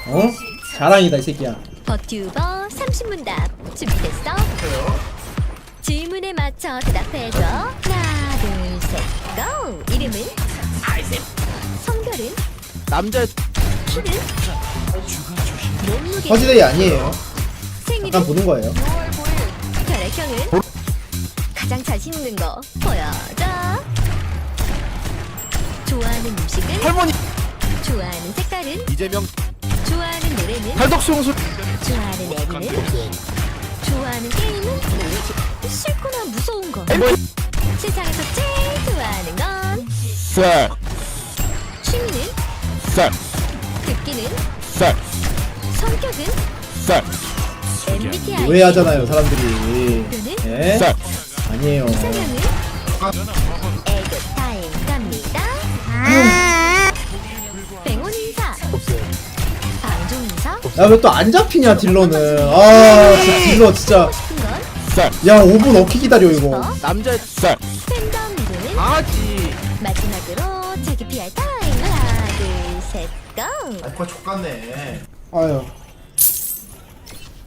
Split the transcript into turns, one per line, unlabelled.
어? 자랑이다 이 새끼야.
버튜버 30문답 준비됐어? 질문에 맞춰 대답해줘. 하나 둘셋 고! 이름은? 성별은?
남자
키는? 몸무게?
퍼지데이 아니에요.
생일은?
잠깐 보는 거예요.
혈액형은? 가장 자신 있는 거 보여줘. 좋아하는 음식은?
할머니
좋아하는 색깔은?
이재명
좋아하는 노래는?
탈덕수용술
좋아하는 애니는? 좋아하는 게임은? 싫거나 무서운 거. 세상에서 제일 좋아하는 건?
쌀
취미는?
쌀
듣기는?
쌀
성격은?
쌀
MBTI
오해하잖아요 사람들이. 예?
쌀
아니에요.
이상형은? 애교 타임 갑니다. 뱅온 인사 방종 인사
야 왜 또 안 잡히냐 딜러는. 아 진짜 딜러 진짜.
싶은 건?
쌀
야 5분 어떻게 기다려 이거.
남자 쌀
팬덤 이름은?
아지
마지막으로 자기 PR 타임 하나 둘셋 고!
족같네. 아유